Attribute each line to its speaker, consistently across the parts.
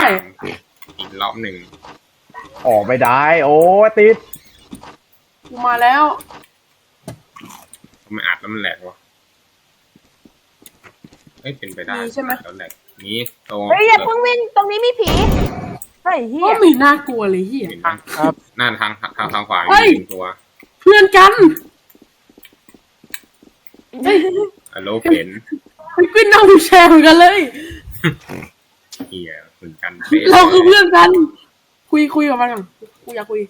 Speaker 1: อีกรอบหนึ่ง
Speaker 2: ออกไม่ได้โอ้ติด
Speaker 3: กูมาแล้ว
Speaker 1: ทำไมอัดแล้วมันแหลกวะเฮ้ยเป็นไปได้
Speaker 3: ใช่ไหม
Speaker 1: แล้วแหลกนี้ตรง
Speaker 4: เฮ้ยอย่าเพิ่งวิ่งตรงนี้มีผีเฮ้ยเฮี
Speaker 3: ก็
Speaker 4: ย
Speaker 3: มีน่ากลัวเลยเฮีย
Speaker 2: ครับ
Speaker 1: หน้าทางขวา
Speaker 3: เฮ้ย
Speaker 1: มีตัว
Speaker 3: เพื่อนกันเฮ้ย
Speaker 1: อะโลเข็น
Speaker 3: มันขึ้นนั่งวิวแชร์เหมือนกันเลย
Speaker 1: เฮียเหมือนกัน
Speaker 3: เราคือเพื่อนกัน คุยกับมันก่อนกูอยากคุย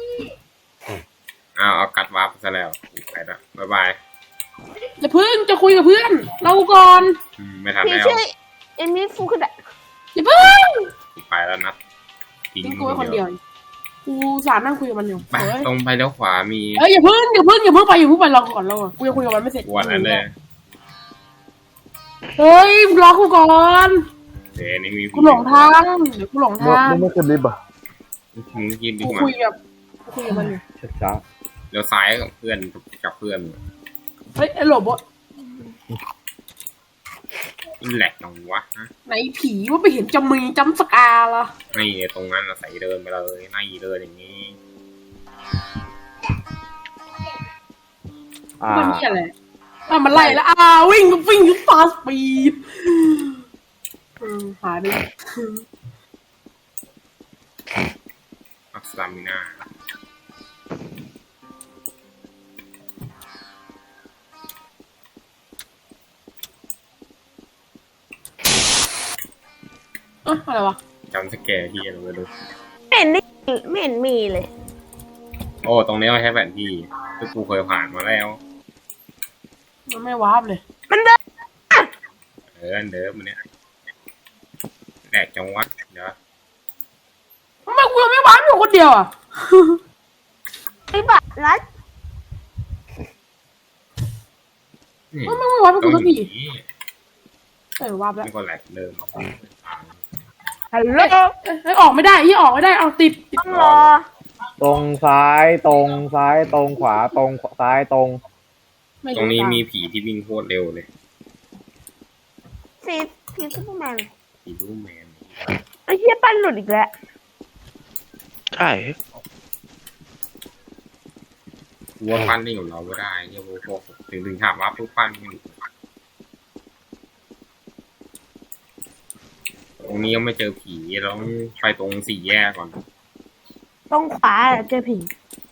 Speaker 1: เอากัดวาร์ปซะแล้วไปละบ๊ายบาย
Speaker 3: อย่าเพิ่งจะคุยกับเพื่อน เราก่อน
Speaker 1: ไม่ทัน
Speaker 4: ผี
Speaker 1: แล้ว
Speaker 4: ชื่อเอมิฟูคุดะ
Speaker 3: อย่าเพิ่ง
Speaker 1: ไปแล้วนัด
Speaker 3: ทิ้งกูไว้คนเดียวกูสารนั่งคุยกับมันอยู่
Speaker 1: ไปตรงไปแล้วขวามี
Speaker 3: เอ้ยอย่าเพิ่งไปรอก่อนเรากูจะคุยกับมันไม่เสร็จ
Speaker 1: วันนั้นเลย
Speaker 3: เฮ้ยรอกูก่อน
Speaker 1: เดี๋ยวนี่มี
Speaker 3: กูหลงทางเดี๋ยวกูหลงทาง
Speaker 2: ไม่ขึ้นลิฟต์อ่ะ
Speaker 1: มึงกินดี
Speaker 3: กู
Speaker 1: กว่า
Speaker 3: คุยกับมันอยู่
Speaker 2: ช้า
Speaker 1: เดี๋ยวซ้ายกับเพื่อน
Speaker 3: เฮ้ยไอ้โหลบ
Speaker 1: แหลกตรงวะ
Speaker 3: ไหนผีว่าไปเห็นจำสกาล่ะ
Speaker 1: ไม่ตรงนั้นเราใส่เดินไปเลยไม่เดินอย่างนี้
Speaker 3: มันนี่อะไรมันไล่แล้ววิ่งฟาสปีดหาดิ
Speaker 1: อักษามินา
Speaker 3: อะไรวะ
Speaker 1: จำสแกร์ที่เราไปดู
Speaker 4: ไม่เห็นมีเลย
Speaker 1: โอ้ตรงนี้เราใช้แผนที่ที่กูเคยผ่านมาแล้ว
Speaker 3: มันไม่วาร์ปเลย
Speaker 4: มันเดิน
Speaker 1: เดิมมันเนี้ยแหลกจังวัดเดี๋ยว
Speaker 3: ทำไมกูยังไม่วาร์ปอยู่คนเดียวอ่ะ
Speaker 4: ไอ้บัตรรัด
Speaker 3: มันไม่วาร์ปกูสักทีวาร์ปแล้ว
Speaker 1: นี่ก็แหลกเดิม
Speaker 4: ฮัลโหล
Speaker 3: ออกไม่ได้เอาติด
Speaker 4: ต้องรอ
Speaker 2: ตรงซ้ายตรงซ้ายตรงขวาตรงซ้ายตรง
Speaker 1: ตรงนี้มีผีที่วิ่งโคตรเร็วเลย
Speaker 4: ผีซูเปอร์แมน
Speaker 1: ผีลูกแมน
Speaker 4: ไอ้เฮียปั้นหลุดอีกแล้ว
Speaker 5: ใช่
Speaker 1: วัวปั้นนี่กับเราก็ได้เนี่ยพวกถึงถามว่าพวกปั้นไม่หลุดตรงนี้ยังไม่เจอผีเราต้องไปตรงสี่แยกก่อน
Speaker 4: ตรงขวาเจอผี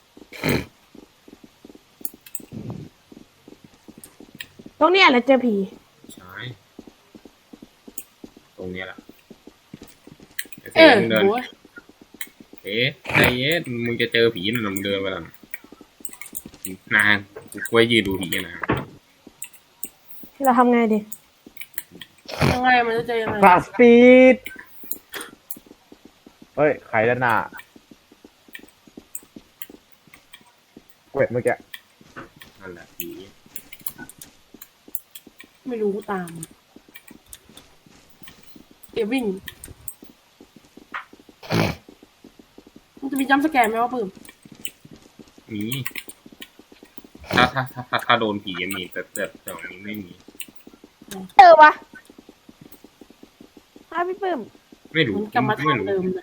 Speaker 4: ตรงเนี้ยแหละเจอผี
Speaker 1: ใช่ตรงนี้แหละ
Speaker 3: โว้ย
Speaker 1: ใจเย็นมึงจะเจอผีนะมึงเดินไปแล้วนานกูยืนดูผีนะ
Speaker 4: เราทำไงดี
Speaker 3: ยังไงมันจะเจอยังไง
Speaker 2: ฟาสปีดเฮ้ยใครด้านหน้าเวทเมื่อกี้
Speaker 1: นั่นแหละผี
Speaker 3: ไม่รู้ตามเดี๋ยววิ่งมันจะมีจัมป์สแกนไหมว่าปื้ม
Speaker 1: มีถ้าโดนผีมีแต่ตรงนี้ไม่มี
Speaker 4: เจอวะพี่ปื้ม
Speaker 1: ไม่รู้
Speaker 3: มันกลับมาทางเดิมนะ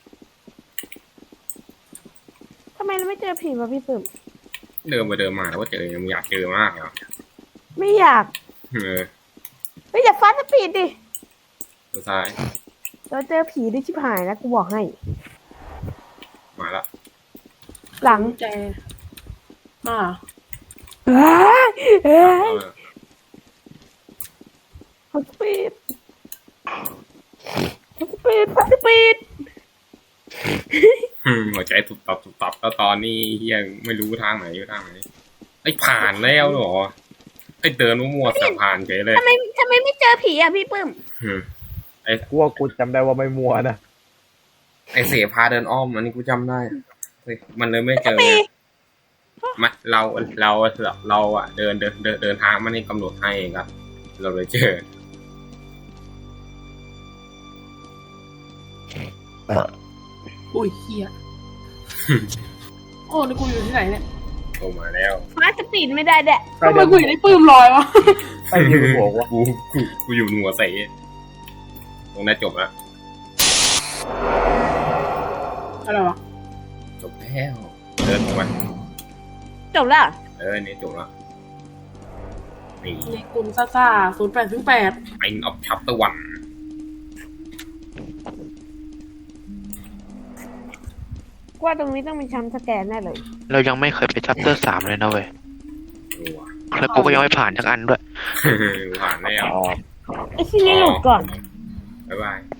Speaker 4: ทำไมเราไม่เจอผีวะพี่ปื้ม
Speaker 1: เดินไปเดินมาแล้วก็เจอมึงอยากเจอมากเหรอ
Speaker 4: ไม่อยาก
Speaker 1: เ
Speaker 4: ไม่อยากฟาสปีดดิ
Speaker 1: ตัวซ้าย
Speaker 4: เราเจอผีได้ชิบหายนะกูบอกให้
Speaker 1: มาละ
Speaker 4: หลัง
Speaker 3: แจมา
Speaker 4: ฟาสปีด
Speaker 1: หัวใจตุบตับแล้วตอนนี้ยังไม่รู้ทางไหนอยู่ทางไหนไอ้ผ่านแล้วเหรอไอ้เดินมั่วๆสับผ่านเฉยเลย
Speaker 4: ทำไมไม่เจอผีอ่ะพี่ปื้ม
Speaker 2: กูว่ากูจำได้ว่าไม่มัวนะ
Speaker 1: ไอ้เสพาเดินอ้อมอันนี้กูจำได้เฮ้ยมันเลยไม่เจอมาเราอะเดินทางมันนี่กำหนดให้เองครับเราเลยเจอ
Speaker 3: อุ้ยเฮียโอ้นี่กูอยู่ที่ไหนเนี่ย
Speaker 1: โตมาแล้ว
Speaker 4: ฟาสปีดไม่ได้แดะ
Speaker 3: ทำไมกูอยู่ในปื้มลอยวะ
Speaker 2: ใครเดินบอกว่า
Speaker 1: กูอยู่หัวใส่ตรงนั้นจบแล้ว
Speaker 3: อะไรวะ
Speaker 1: จบแล้วเดินออกมา
Speaker 4: จบแล้ว
Speaker 1: นี่จบแล้วนี่
Speaker 3: เลกุลซ่า0808
Speaker 1: End of Chapter 1
Speaker 4: ว่าตรงนี้ต้องมีชั้นสแกนแน่เลย
Speaker 5: เรายังไม่เคยไปชัปเตอร์3เลยนะเว้ย
Speaker 1: ดูอ่ะ
Speaker 5: แล้วกูก็ยังไม่ผ่านทักอันด้วย
Speaker 1: ผ่านแล้ว
Speaker 2: อ๋อ
Speaker 4: ไอ้ที่นี่หลุดก่อน
Speaker 1: บ๊ายบาย